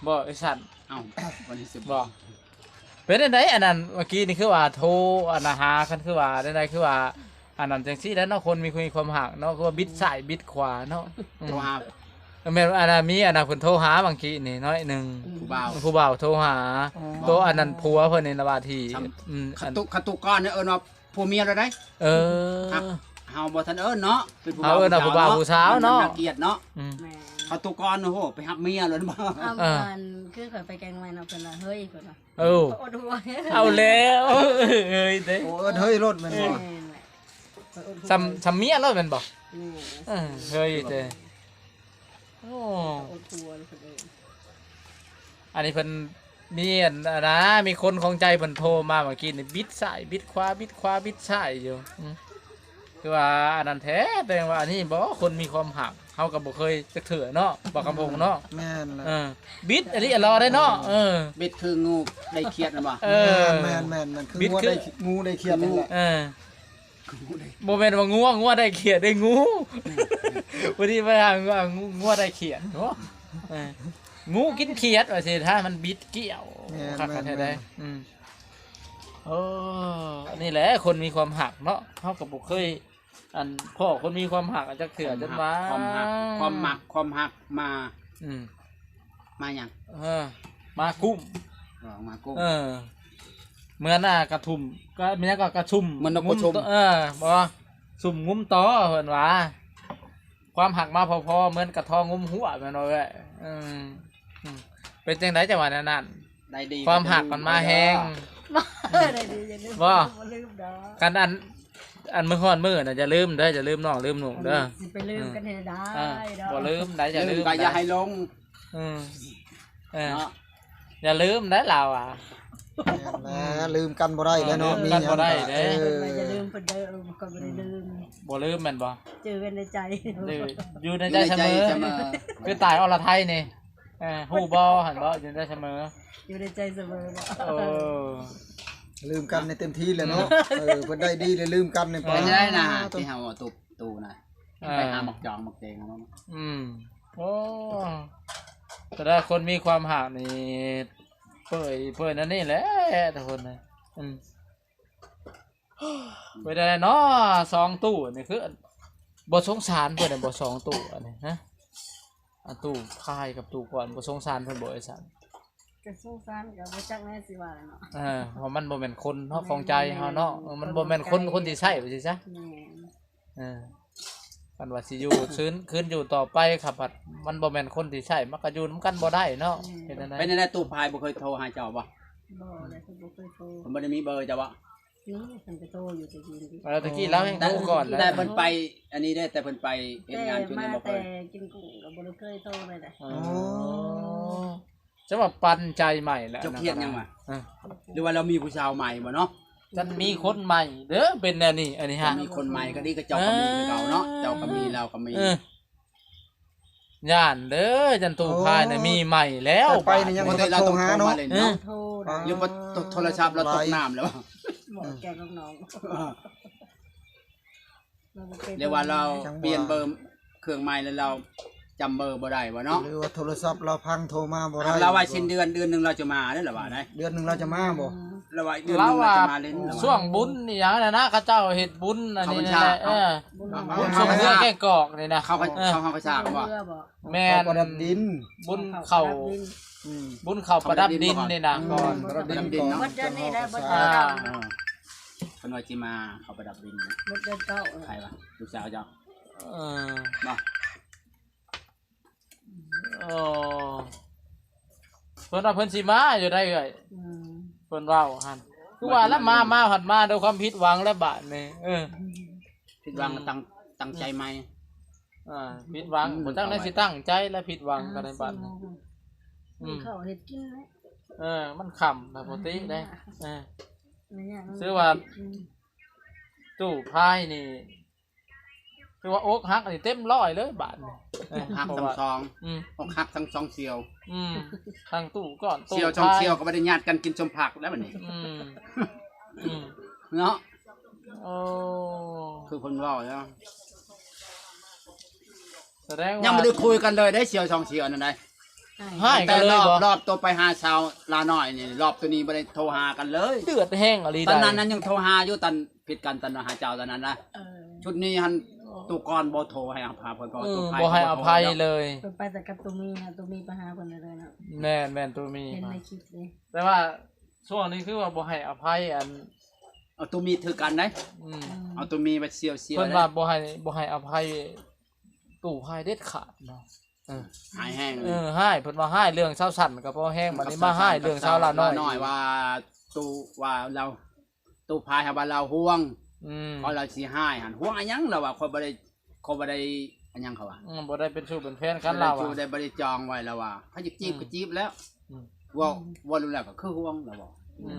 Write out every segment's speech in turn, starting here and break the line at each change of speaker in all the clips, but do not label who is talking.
บ่ไอ้สัตว์
เอ้าวันที่10
บ่เป็นจังไดอันนั้นเมื่อกี้นี่คือว่าโทรอันน่ะหาคันคือว่าจังไดคือว่าอันนั้นจังซี่แล้วเนาะคนมีความหักเนาะคือว่าบิดซ้ายบิดขวาเนาะ
โทรหา
แม่นอันน่ะมีอันน่ะเพิ่นโทรหาบางทีนี่น้อยหนึง
ผู้บ่าว
โทรหาตัวอันนั้นผัวเพิ่นนี่ละว่าที่
ขั
อัน
ตุกก้อนเนี่ยว่าผัวเมียเราได้
เออ
เฮาบ่ทันเนาะเป็นผู้
เฮาเอิ้นว่าผู้บ่าวผู้สาวเนาะ
มัเกลียดเนาะ
แม่
ขัตุกก้อนโอ้โหไปหับเมียเลยบ่
เอามันคือข่อยไปแกงไว้เนาะเพิ่นว่าเฮ้ยเพิ่นว่า
เออ
อดหัว
เอาแล้วเอ้ยเด้
โอ้เฮ้ยรถแม่นบ่
แม่นแหละ
ซ้ำเมียแล้วแม่นบ่
แม่
เฮ้ยเด้โอ้
อดหัวเลยเพิ่นเอง
อันนี้เพิ่นมีอันนะมีคนของใจเพิ่นโทรมาเมื่อกี้นี่บิดซ้ายบิดขวาบิดขวาบิดซ้ายอยู่คือว่าอันนั้นแท้แต่ว่าอันนี้บ่คนมีความหักเฮาก็บ่เคยจักเถื่อเนาะบ่คำพงเนาะ
แม่นล่ะ
บิดอันนี้รอได้เนาะ
เบ็ดคืองูได้เครียดนะบ่
แม่นมันคืองูได้เขียดนั่นแหละ
บ่แม่นว่างัวได้เขียดได้งูวันนี้ไปหางัวได้เขียดเนาะงูกินเขียดว่าสิถ้ามันบิดเกี่ยวคักแท้ได้นี่แหละคนมีความหักเนาะเฮาก็บ่เคยอันพ่อคนมีความหักจักเถื่อจนว่า
ความหักมาหยัง
มากุ้ม
มากุ้ม
เหมือนกระทุ่มก็มีก็กระชุ่ม
มันนกกระชุ่ม
บ่สุ่มงุ้มต่อเพิ่นว่าความหักมาพอๆเหมือนกระทองงุ้มหัวแม่นบ่เอ้ยเป็นจังไดจังหวะนั้น
ได้ดี
ความหักมันมาแฮง
ได้ดีอย่าลืม
บ่
ลืมดอก
กันอันมื้อฮ้อนมื้อน่ะอย่าลืมเด้ออย่าลืมน้องลืมหนุ่มเด้อ
สิไปลืมกันให้ได้ดอก
บ่ลืมได้อย่าลืม
ก็อย่าให้ลง
เนาะอย่าลืมได้เราอ่ะ
ลืมกันบ่ได้แล้วเนาะมี
กันบ่ได้เด้
อย่าลืมเพิ่นเด้อก็บ่ได้ลืม
บ่ลืมแม่นบ่
เจอกันในใจ
อยู่ในใจเสมอคือตายอรไทยนี่ฮู้บ่หั่นบ่อยู่ในใจเสมอ
อยู่ในใจเสมอ
ลืมกันในเต็มที่เลยเนาะเพิ่นได้ดีเลยลืมกันใน
ไปได้นะที่เฮาตูนะไปหาหมักจองหมักเตงเนาะ
โอ้แต่ถ้าคนมีความหักนี่เปื่อยนั่นนี่แหละทุกคนนะไปได้เนาะ2ตู้นี่คือบ่สงสารเพิ่นน่ะบ่2ตู้อันนี้ฮะอันตู้คายกับตู้ก่อนบ่สงสารเพิ่นบ่ไอ้สัน
ก็สงสารก็บ่จักแน่สิว่าเนาะ
เพราะมันบ่แม่นคนเฮาของใจเฮาเนาะมันบ่แม่นคนที่ใช้ว่าสิซะกันว่าสิอยู่คืนอยู่ต่อไปครับมันบ่แม่นคนที่ใช้มันก็อยู่นำกันบ่ได้เนาะเฮ็ดจังได๋
เป็นจังได๋ตู้พายบ่เคยโทรหาเจ้าบ่
ได้เพิ่นบ่เคยโทร
ผมบ่ได้มีเบอร์เจ้าบ่
นี่เพิ่นไปโทรอยู่ตะกี้นี่
ตะกี้แล้วให้โทรก่อนแล้ว
แต่เพิ่นไปอันนี้ได้แต่เพิ่นไปเฮ็ดงานช่วงนี้บ่เคย
แต่กินกุ้งก็บ่ได้เคยโทรเลยนะ
จะว่าปันใจใหม่แล้ว
เจ้าเครียดยังวะหรือว่าเรามีผู้ชายใหม่บ่เนาะ
จะมีคนใหม่เด้อเป็นแนวนี้อันนี้ฮะ
มีคนใหม่ก็ดีก็เจ้าก็มีเก่าเนาะเจ้าก็มีเราก็มี
ย่านเด้อจันตูพายน่ะมีใหม่แล้ว
ไปนี่ยังบ่ได้โทรหาเนาะ
โทร
หรือว่าโทรศัพท์เราตกน้ำแล้ว
บ่แกน้อง
เรียกว่าเราเปลี่ยนเบอร์เครื่องใหม่แล้วเราจำเบอร์บ่ได้บ่เนาะ
หรือว่าโทรศัพท์เราพังโทรมาบ่ได้
เราว่าสิ้นเดือนนึงเราจะมาได้หรือว่าได้
เดือนนึงเราจะมาบ่
เราว่าเดือนนึงเราจะมาเล่น
ช่วงบุญนี่หยังน่ะนะเขาเจ้าเฮ็ดบุญอันนี้นั่นแหละบุญส่งเรือแก้กอกนี่นะ
เขาประชาบ่
แม่น
ประดับดิน
บุญเข้าประดับดินนี่นะก่อน
ประดับดินเนาะ
บ่เดือนนี้ได้บ่เดือนเก่า
เพิ่นว่าสิมาเขาประดับดิน
บ่เดือนเก่า
ใครวะลูกสาวเจ้า
บ่เพิ่นว่าเพิ่นสิมาอยู่ได้เอ้ยเพิ่นเว้าหั่นคือว่าแล้วมาหัดมาด้วยความผิดหวังและบาดนี่
ผิดหวังตั้งใจใหม่
ผิดหวังบ่ตั้งได้สิตั้งใจและผิดหวังกันในบาด
นี่เข้าเฮ็ดกิน
มันขำปกติได้ซื้อว่าตู้พายนี่คือว่าอกหักนี่เต็มร้อยเลยบาทนี่
หักทั้งสองอกหักทั้งสองเสี่ยว
ทางตู้ก่อน
เสี่ยวช่องเสี่ยวก็ไม่ได้ญาติกันกินชมผักแล้วแบบนี้เนาะคือคนว่าเนาะ
แสดงว่า
ยังไม่ได้คุยกันเลยได้เสี่ยวช่องเสี่ยวนั่นไง
ให้กันเลยบ่
รอบตัวไปหาชาวลาน้อยนี่รอบตัวนี้บ่ได้โทรหากันเลย
เดือดแห้งอะไร
ตอน
ได้
นั้นยังโทรหาอยู่ตอนผิดกันตอนหาเจ้าตอนนั้นนะ
เออ
ชุดนี้หันตุกรบ่โทรให้อภัยเพิ่นก็ตุก
บ่ให้อภัยเลย
เพิ่นไปแต่กับตัวมีนะตัวมีไปหาเพิ่นเลยเนาะ
แม่นตัวมี
เห็นในคลิปเลย
แต่ว่าช่วงนี้คือว่าบ่ให้อภัยอัน
เอาตัวมีถือกันได้
อืม
เอาตัวมีไปเสียว
เพิ่น
ได้
ว่าบ่ให้อภัยตู่พายเด็ดขาดเนาะ
หายแห้งเลย
ให้เพิ่นว่าให้เรื่องชาวสั่นก็พอแห้งบัดนี้มาให้เรื่องชาวลาน้อย
ว่าตูว่าเราตูพายให้ว่าเราห่วง
อืม
เพราะเราสิให้หันห่วงอันยังเราว่าคนบ่ได้อันยังเขาว่า
บ่ได้เป็นชู้เป็นแฟนกันเรา
จู
อ่ะ
ได้บ่ได้จองไว้แล้วว่าถ้าจะจีบก็จีบแล้ว
อืม
ว่ารู้แล้วก็คือห่วงแล้วบ่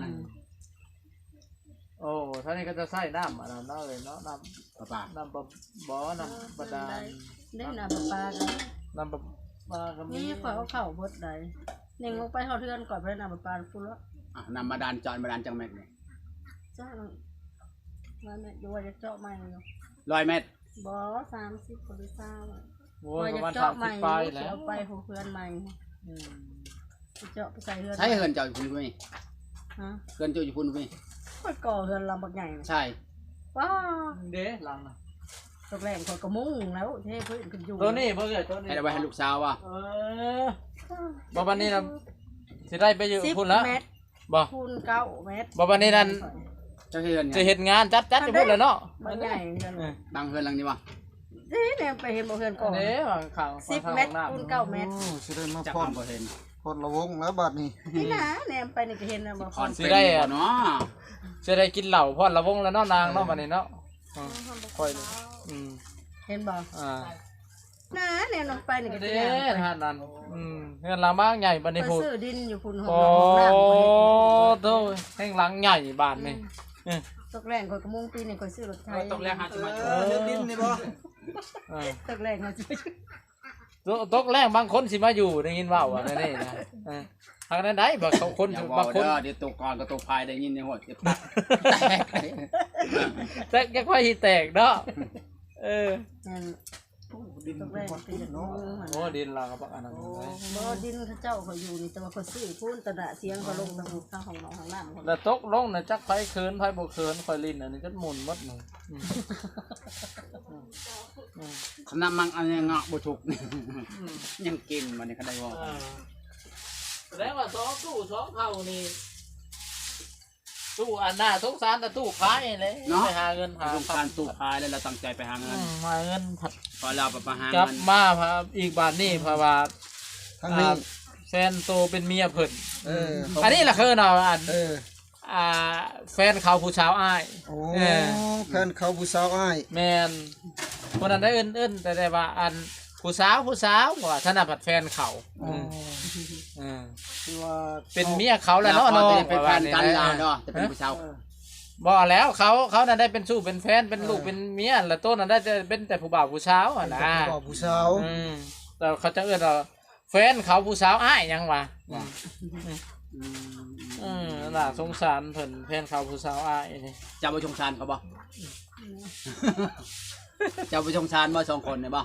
โอ้ท่านี้ก็จะใส่น้ำอันนั้นเนาะเลยเนาะน้
ป้า
ำน้ำบ่น้ำบาดาล
ได้น้ำปลากัน
น้ำปลาก็มี
นี่ข่อยเอาเข้าบดได้เน่งลงไปเฮาเทือนก่อนไปน้ำปลาพุ่นแล้ว
นำมาดานจอนมาดานจังแม่นนี่
จ้าว่าแม่ดูว่าจะเจาะใหม่อยู่
100 เมตร
บ่30คนหรือ20
โอ้
ว่าย
ประ
จะ
มาณ
เจาะใหม่
30ปลายแล้ว
เอาไปของเพื่อนใหม่เจาะไปใส่เฮือน
ใช้เฮือนเจ้าอยู่พุ่นมั้ย
ฮะ
เฮือนเจ้าอยู่พุ่นมั้ย
ข่อยก่อเฮือนลำบักใหญ่นะ
ใช่
ว้า
เด้หลังน่ะ
ตกแรงข่อยก็มุ่งแล้วเท่เพิ่นขึ้นอยู่
ตัวนี้เพิ่นเอ้ยตัวนี้
ให้เอาไว้ให้ลูกสาวว่า
บ่บัดนี้น่ะสิได้ไปอยู่พุ่นแล้ว
10 เมตร
บ่
คูณ9 เมตร
บ่บัดนี้นั่น
เจ้าเฮือน
จะเฮ็ดงานจัดอยู่พุ่นแล้วเนาะ
บักใหญ่เฮือน
ดังเฮือนหลังนี้ว่า
เนี่ยไปเห็นบ่เฮือนก่อน
เด้บางครั้ง
10 เมตรคูณ9 เมตร
โอ้สิได้มา
จัก
พอด
บ่เห็น
พอดระวงแล้วบัดนี้
นี่นะเนี่ยไปนี่ก็เห็นนะบ่
คอนเป็นบ่เนาะ
จะได้กินเหล้าพอดละวงแล้วเนาะนางเนาะบัดนี้เนาะค่อย
เห็นบ่
อ่า
นะเนี่ยลงไปนี่ก็
เด้
เห็น
ฮะนั่นเงินหลังบ้านใหญ่บัดนี้
ไป
พูด
ซื้อดินอยู่พุ่นห้อง
โอ้
น้ำ
โตแห่งหลังใหญ่บ้านนี่
ตกแรงข่อยก็มุ่งปีนี่ข่อยซื้อรถไถ
ตกแรกหาจะมา
เฮ็ดดินนี่บ่
ตกแรงข่อยซื้อ
ตกแรกบางคนสิมาอยู่ได้ยินว่าว่านั่นนี่นะทางนั้นได้บางคน
อย่า
บางคน
เดี๋ยวตกก่อนก็ตกพายได้ยินในหัวจะปักแตก
แต่แกค่อยสิแตกเนาะ
นั่น
ดิน
ตกแรง
พอด
ปี
พุ่น
เนาะ
เนาะ
โอ้ดินเราก็ปักอันนั้น
บ่ดินเขาเจ้าเขาอยู่นี่แต่ว่าเขาซื้อพุ่นตะดะเสียงเขาลงทางข้างของน้องข้างน้ำเขา
แล้วตกลงน่ะจักไผเคินไผบ่เคินค่อยลิ้นอันนี้ก็หมุนหมดนึง
ขนาดมังอันนี้เงาะบ่ถูกยังกินมันนี่เขาได้บ่
แสดงว่าตู้2เท่านี่ตู้อันหน้าสงสารแต่ตู้ขายเลยไปหาเงินหา
ต้องการตู้พายแล้วเราตั้งใจไปหาเงิน
หาเงินผัด
พอเราไปหาก
ลับ
เงิน
มาพาอีกบาทนี่เพราะว่า
ทางนี้
แฟนโตเป็นเมียเพิ่น
อั
นนี้แหละคือเนาะอัน
เออ
แฟนเขาผู้ชาวอ้าย
โอ้แฟนเขาผู้สาวอ้าย
แมนคนนั้นได้เอิ้นแต่ว่าอันผู้สาวว่าถนัดผัดแฟนเขา
อ๋อ
คือว่าเป็นเมียเขาแหละเนาะ
เรา
เนาะ
เป็นแฟนกันเราเนาะจะเป็นผู้ชาย
บ่แล้วเขานั้นได้เป็นสู้เป็นแฟนเป็นลูกเป็นเมียแล้วโต้นนั้นได้จะเป็นแต่ผู้บ่าวผู้สาวอ่ะนะ
ผู้สาว
แต่เขาจะเอิ้นว่าแฟนเขาผู้สาวอ้ายยังวะน่าสงสารเพิ่นแฟนเขาผู้สาวอ้ายนี่
จะไปชงชานเขาบ่จะไปชงชานบ่สองคนเนี่ยบ่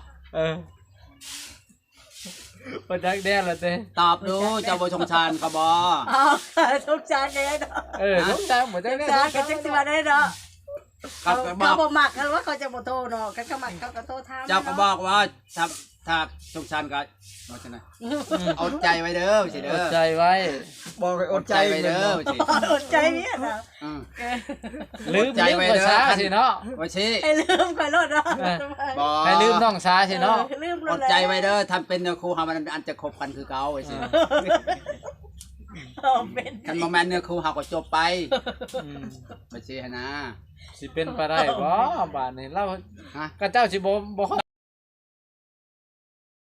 บ่จักแด่ละเต้
ตอบดูจะไปชงชานเขาบ่
อ๋อทุกจานได้เนาะ
สงสารบ่จักแด่
จานก็จังสิมาได้เนาะ
เขา
เขาบ่มักกันว่าเขาจะบ่โทรเนาะกันเขามักเขาก็โทรถาม
เจ้าก็บอกว่าถ้าชงชานก็ว่าจังได๋เอาใจไว้เด้อสิเด้
อ
อ
ดใจไว้
บอกให้อดใจ
ไว้เด้อสิ
อดใจเนี่ยนะ
ลืมภาษาสิเนาะ
ว่าสิ
ให้ลืมไปรถเนาะ
บ่
ให้ลืมน้องสาสิเนาะ
ลืมร
อ
ถ
ดใจไว้เด้อทำเป็นเนื้อคู่เฮามันอันจะคบกันคือเก่าไว้สิ
เป็น
คันบ่แม่นเนื้อคู่เฮาก็จบไปว่าสิหั่นนะ
สิเป็นไปได้บ่บาดนี้เรา
ฮะ
ก็เจ้าสิบ่